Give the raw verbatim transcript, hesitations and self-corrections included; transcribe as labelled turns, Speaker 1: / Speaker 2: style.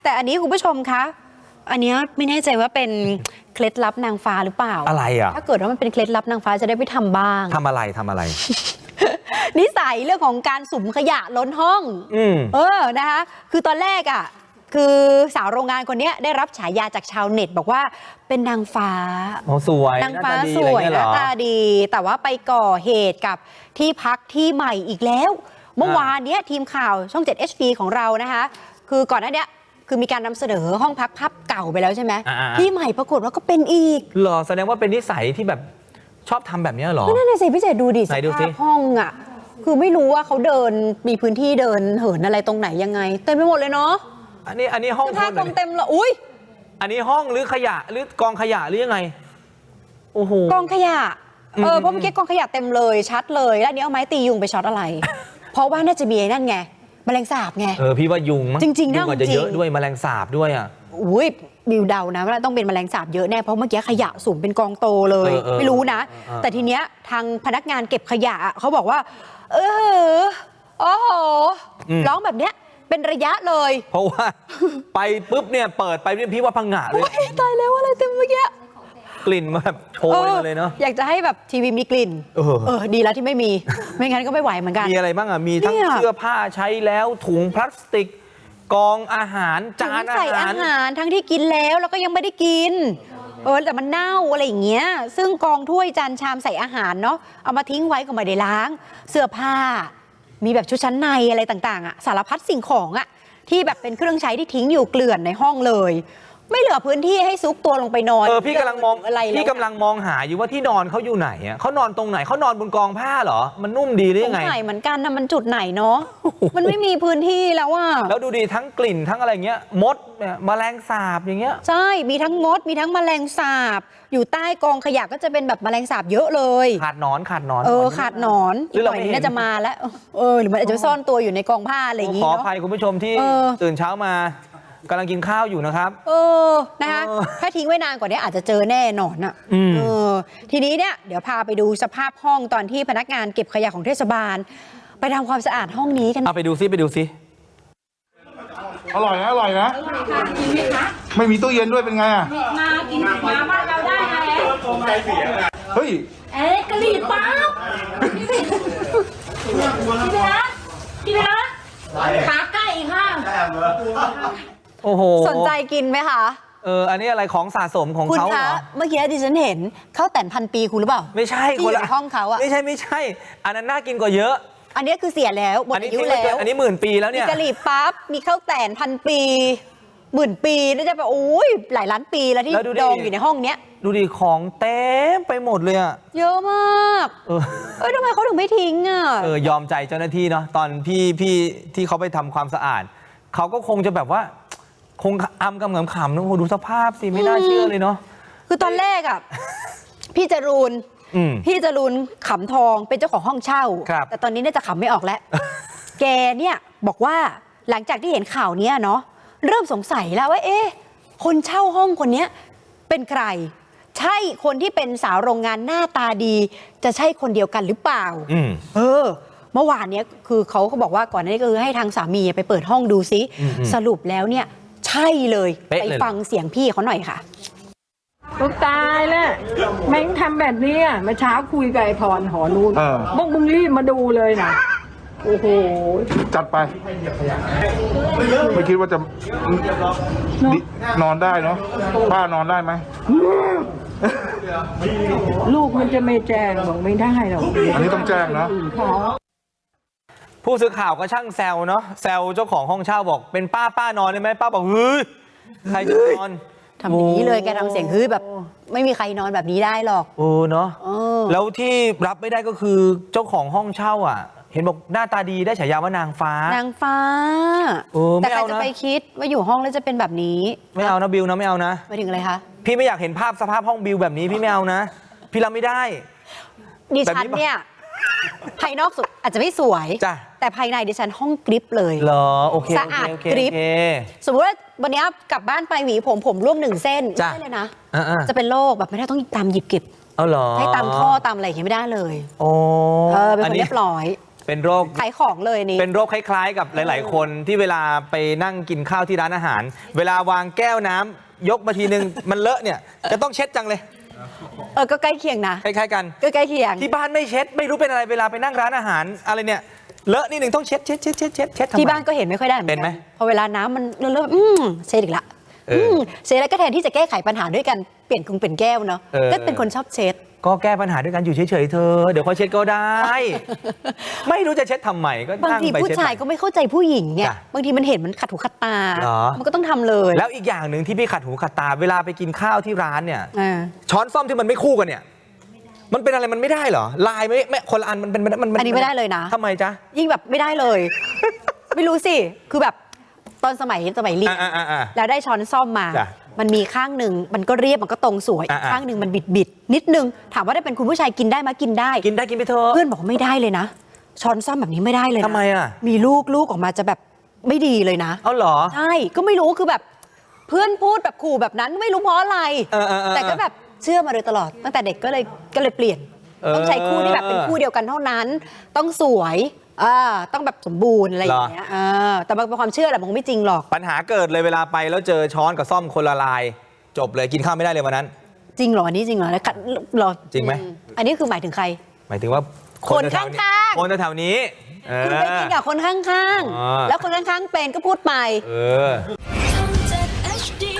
Speaker 1: แต่อันนี้คุณผู้ชมคะอันนี้ไม่แน่ใจว่าเป็นเคล็ดลับนางฟ้าหรือเปล่า
Speaker 2: อะไรอ่ะ
Speaker 1: ถ้าเกิดว่ามันเป็นเคล็ดลับนางฟ้าจะได้ไปทำบ้าง
Speaker 2: ทำอะไรทำอะไร
Speaker 1: นิสัยเรื่องของการสุ่มขยะล้นห้องอืมเออนะคะคือตอนแรกอ่ะคือสาวโรงงานคนนี้ได้รับฉายาจากชาวเน็ตบอกว่าเป็นนางฟ้า
Speaker 2: โอ้สวย
Speaker 1: นางฟ้าสวยหน้าตาดีแต่ว่าไปก่อเหตุกับที่พักที่ใหม่อีกแล้วเมื่อวานนี้ทีมข่าวช่อง เจ็ด เอช ดี ของเรานะคะคือก่อนหน้านี้คือมีการนำเสนอห้องพักภาพเก่าไปแล้วใช่ไหมที่ใหม่ปรากฏว่าก็เป็นอีก
Speaker 2: หรอแสดงว่าเป็นนิสัยที่แบบชอบทำแบบนี้หรอ
Speaker 1: นั่นน่ะสิพี่เจดูดิสภาพห้องอ่ะคือไม่รู้ว่าเขาเดินมีพื้นที่เดินเหินอะไรตรงไหนยังไงเต็มไปหมดเลยเนาะ
Speaker 2: อันนี้อันนี้ห้อง
Speaker 1: ผ้ากองเต็มเลยอุ้ย
Speaker 2: อันนี้ห้องหรือขยะหรือกองขยะหรือยังไงโอ้โห
Speaker 1: กองขยะเออเพราะเมื่อกี้กองขยะเต็มเลยชัดเลยแล้วนี้เอาไม้ตียุงไปช็อตอะไร เพราะว่าน่าจะมีนั่นไงแมลงสาบไง
Speaker 2: เออพี่ว่ายุงมั้ง
Speaker 1: จริงๆ
Speaker 2: ยุงอาจจะเยอะด้วยแมลงสาบด้วยอ่ะ
Speaker 1: อุ้ยบิวเดานะว่าต้องเป็นแมลงสาบเยอะแน่เพราะเมื่อกี้ขยะสุ่มเป็นกองโตเลยไม่รู้นะแต่ทีเนี้ยทางพนักงานเก็บขยะเขาบอกว่าเออโอ้โหร้องแบบเนี้ยเป็นระยะเลย
Speaker 2: เพราะว่าไปปุ๊บเนี่ยเปิดไปเนี่ยพี่ว่าพังงะเลย
Speaker 1: ตายแล้วอะไรเต็มเมื่อกี้
Speaker 2: กลิ่นมาแบบโชยมาเลยเนาะ
Speaker 1: อยากจะให้แบบทีวีมีกลิ่นเออเออดีแล้วที่ไม่มีไม่งั้นก็ไม่ไหวเหมือนกัน
Speaker 2: มีอะไรบ้างอ่ะมีทั้งเสื้อผ้าใช้แล้วถุงพลาสติกกองอาหารจานอาหารใส่
Speaker 1: อาหารทั้งที่กินแล้วแล้วก็ยังไม่ได้กินเออแต่มันเน่าอะไรอย่างเงี้ยซึ่งกองถ้วยจานชามใส่อาหารเนาะเอามาทิ้งไว้ก็ไม่ได้ล้างเสื้อผ้ามีแบบชุดชั้นในอะไรต่างๆอ่ะสารพัดสิ่งของอ่ะที่แบบเป็นเครื่องใช้ที่ทิ้งอยู่เกลื่อนในห้องเลยไม่เหลือพื้นที่ให้ซุกตัวลงไปนอน
Speaker 2: เออพี่กำลังมองอะไรพี่กำลังมองหาอยู่ว่าที่นอนเขาอยู่ไหนอ่ะเขานอนตรงไหนเขานอนบนกองผ้าเหรอมันนุ่มดีหรือยังไง
Speaker 1: ตรงไหนเหมือนกันนะมันจุดไหนเนาะมันไม่มีพื้นที่แล้วอ่ะ
Speaker 2: แล้วดูดีทั้งกลิ่นทั้งอะไรเงี้ยมดเนี่ยแมลงสาบอย่างเงี้ย
Speaker 1: ใช่มีทั้งมดมีทั้งแมลงสาบอยู่ใต้กองขยะก็จะเป็นแบบแมลงสาบเยอะเลย
Speaker 2: ขาดนอนขาดนอน
Speaker 1: เออขาดนอนหรือเราน่าจะมาแล้วเออหรือมันอาจจะซ่อนตัวอยู่ในกองผ้าอะไรอย่างงี้
Speaker 2: ขอ
Speaker 1: เนาะ
Speaker 2: อภัยคุณผู้ชมที่ตื่นเช้ามากำลังกินข้าวอยู่นะครับ
Speaker 1: เออนะคะถ้าทิ้งไว้นานกว่านี้อาจจะเจอแน่นอนอ่ะเออทีนี้เนี่ยเดี๋ยวพาไปดูสภาพห้องตอนที่พนักงานเก็บขยะของเทศบาลไปทำความสะอาดห้องนี้กัน
Speaker 2: เอาไปดูซิไปดูซิ
Speaker 3: อร่อยนะอร่อยนะไม่มีตู้เย็นด้วยเป็นไงอ่ะ
Speaker 4: มากินมาบ้านเราได้แล้ว
Speaker 3: เฮ้ย
Speaker 4: เอ๊ะกะหรี่ปั๊บพี่พี่พี่นะพี่นะขาไก่ค่ะ
Speaker 2: โอ้โห
Speaker 1: สนใจกินไหมคะ
Speaker 2: เอออันนี้อะไรของสะสมของเขาเหรอ
Speaker 1: เมื่อกี้ดิฉันเห็นข้าวแต่นพันปีคุณหรือเปล่า
Speaker 2: ไม่ใช่
Speaker 1: คนละห้องเขาอะ
Speaker 2: ไม่ใช่ไม่ใช่อันนั้นน่ากินกว่าเยอะ
Speaker 1: อันนี้คือเสียแล้วหมดอายุแล้ว
Speaker 2: อันนี้หมื่นปีแล้วเนี่ย
Speaker 1: มีกะหรี่ปั๊บมีข้าวแต่นพันปีหมื่นปีน่าจะแบบโอ้ยหลายล้านปีแล้วที่ดองอยู่ในห้องเนี้ย
Speaker 2: ดูดิของเต็มไปหมดเลยอะ
Speaker 1: เยอะมากเออเออทำไมเขาถึงไม่ทิ้งอะ
Speaker 2: เออยอมใจเจ้าหน้าที่เนาะตอนพี่พี่ที่เขาไปทำความสะอาดเขาก็คงจะแบบว่าคงอำกำเหงขำนะโอ้ดูสภาพสิไม่น่าเชื่อเลยเนาะ
Speaker 1: คือตอนแรกอะพี่จรูนพี่จรูนขำทองเป็นเจ้าของห้องเช่าแต่ตอนนี้น่าจะขำไม่ออกแล้วแกเนี่ยบอกว่าหลังจากที่เห็นข่าวนี้เนาะเริ่มสงสัยแล้วว่าเอ๊ะคนเช่าห้องคนนี้เป็นใครใช่คนที่เป็นสาวโรงงานหน้าตาดีจะใช่คนเดียวกันหรือเปล่าเออเมื่อวานเนี้ยคือเขาเขาบอกว่าก่อนหน้านี้ก็คือให้ทางสามีไปเปิดห้องดูซิสรุปแล้วเนี่ยใช่เลยไปฟังเสียงพี่เขาหน่อยค่ะ
Speaker 5: กูตายแล้วแม่งทำแบบนี้อ่ะเมื่อเช้าคุยกับไอ้พรหอนูนบอกมึงรีบมาดูเลยนะโอ้โห
Speaker 3: จัดไปไม่คิดว่าจะนอนได้เนาะป้านอนได้ไหม
Speaker 5: ลูกมันจะไม่แจ้งบอกไม่ได้หรอก
Speaker 3: อันนี้ต้องแจ้งนะ
Speaker 2: ผู้สื่อข่าวก็ช่างแซวเนาะแซวเจ้าของห้องเช่าบอกเป็นป้าป้านอนได้ไหมป้าบอกเฮ้ยใครจะนอน
Speaker 1: ทำอย่างนี้เลยแกทำเสียงเฮ้ยแบบไม่มีใครนอนแบบนี้ได้หรอก
Speaker 2: โอ้เนาะแล้วที่รับไม่ได้ก็คือเจ้าของห้องเช่าอ่ะเห็นบอกหน้าตาดีได้ฉายาว่านางฟ้าน
Speaker 1: างฟ้าแต่ใครจะไปคิดว่าอยู่ห้องแล้วจะเป็นแบบนี้
Speaker 2: ไม่เอานะบิวนะไม่เอานะ
Speaker 1: ไปถึงอะไรคะ
Speaker 2: พี่ไม่อยากเห็นภาพสภาพห้องบิวแบบนี้พี่ไม่เอานะพี่รับไม่ได้
Speaker 1: ดิฉันเนี่ยภายนอกสุดอาจจะไม่สวยแต่ภายในดิฉันห้องกริปเลย
Speaker 2: เหรอโอเค
Speaker 1: สะอาดกริปสมมติว่าวันนี้กลับบ้านไปหวีผมผมร่วงหนึ่งเส้นไม่ได้เลยนะจะเป็นโรคแบบไม่ได้ต้องตามหยิบเก็บ
Speaker 2: เอาเหรอ
Speaker 1: ให้ตามท่อตามอะไรอย่างเงี้ยไม่ได้เลย
Speaker 2: โอ้
Speaker 1: เออเป็นคนเรียบร้อย
Speaker 2: เป็นโรค
Speaker 1: ขายของเลยนี่
Speaker 2: เป็นโรคคล้ายๆกับหลาย ๆ คนที่เวลาไปนั่งกินข้าวที่ร้านอาหาร เวลาวางแก้วน้ำยกมาทีนึง มันเลอะเนี่ยจะต้องเช็ดจังเลย
Speaker 1: เออก็ใกล้เคียงนะ
Speaker 2: คล้ายๆกัน
Speaker 1: ก็ใกล้เคียง
Speaker 2: ที่บ้านไม่เช็ดไม่รู้เป็นอะไรเวลาไปนั่งร้านอาหารอะไรเนี่ยเลอะนิดหนึ่งต้องเช็ดเช็ดเช็ดเช็ดเช็ดเช็ดทำไม
Speaker 1: ที่บ้านก็เห็นไม่ค่อยได้เหมือน
Speaker 2: เป็นไหม
Speaker 1: กันพอเวลาน้ำมันเลอะๆอืมเช็ดอีกละ
Speaker 2: เอออื
Speaker 1: มเช็ดแล้วก็แทนที่จะแก้ไขปัญหาด้วยกันเปลี่ยนกรุงเปลี่ยนแก้วเนาะ
Speaker 2: เออ
Speaker 1: ก็เป็นคนชอบเช็ด
Speaker 2: ก็แก้ปัญหาด้วยกันอยู่เฉยๆเธอเดี๋ยวเขาเช็ดก็ได้ ไม่รู้จะเช็ดทำไมก็
Speaker 1: บาง
Speaker 2: นั่ง
Speaker 1: ที
Speaker 2: ไป
Speaker 1: ผู้
Speaker 2: เช็ด
Speaker 1: ชายก็ไม่เข้าใจผู้หญิงไง
Speaker 2: จ้ะ
Speaker 1: บางทีมันเห็นมันขัดหูขัดตา
Speaker 2: เหรอ
Speaker 1: มันก็ต้องทำเลย
Speaker 2: แล้วอีกอย่างหนึ่งที่พี่ขัดหูขัดตาเวลาไปกินข้าวที่ร้านเนี่ย
Speaker 1: อ่า
Speaker 2: ช้อนซ่อมที่มันไม่คู่กันเนี่ย มันเป็นอะไรมันไม่ได้เหรอลายไม่ไม่คนละอันมันเป็นมัน
Speaker 1: อันนี้ไม่ได้เลยนะ
Speaker 2: ทำไมจ๊ะ
Speaker 1: ยิ่งแบบไม่ได้เลย ไม่รู้สิ คือแบบตอนสมัยสมัยเรียน
Speaker 2: อ่าอ่าอ่า
Speaker 1: แล้วได้ช้อนซ่อมมา
Speaker 2: จ้ะ
Speaker 1: มันมีข้างหนึ่งมันก็เรียบมันก็ตรงสวยอีก
Speaker 2: อ่าๆ
Speaker 1: ข้างหนึ่งมันบิดบิดๆนิดนึง ถามว่าได้เป็นคุณผู้ชายกินได้ไหมกินได้
Speaker 2: กินได้กินไปเถอะ
Speaker 1: เพื่อนบอกว่าไม่ได้เลยนะ ช้อนซ่อมแบบนี้ไม่ได้เลยนะ
Speaker 2: ทำไมอ่ะ
Speaker 1: มีลูกลูกออกมาจะแบบไม่ดีเลยนะ
Speaker 2: เอาเหรอ
Speaker 1: ใช่ ก็ไม่รู้คือแบบเพื่อนพูดแบบขู่แบบนั้นไม่รู้เพราะอะไร
Speaker 2: เออเออเออ
Speaker 1: แต่ก็แบบเชื่อมาโดยตลอด ตั้งแต่เด็กก็เลยก็เลยเปลี่ยน
Speaker 2: เออ
Speaker 1: ต้องใช้คู่ที่แบบเป็นคู่เดียวกันเท่านั้น ต้องสวยอ่าต้องแบบสมบูรณ์อะไรอย่างเงี้ยอ่าแต่มันเป็นความเชื่อแหละมันไม่จริงหรอก
Speaker 2: ปัญหาเกิดเลยเวลาไปแล้วเจอช้อนกับซ่อมคนละลาย จบเลยกินข้าวไม่ได้เลยวันนั้น
Speaker 1: จริงเหรออันนี้จริงเหรอแล้วกัดเหรอ
Speaker 2: จริงไหม
Speaker 1: อือันนี้คือหมายถึงใคร
Speaker 2: หมายถึงว่า
Speaker 1: คน
Speaker 2: แถวๆ
Speaker 1: ข้างๆ
Speaker 2: คนแถวๆนี้เออ
Speaker 1: คุณไปกินกับคนข้าง
Speaker 2: อ๋อ
Speaker 1: ๆ แล้วคนข้างๆเป็นก็พูดไป
Speaker 2: เออ
Speaker 6: ช่อง เจ็ด เอช ดี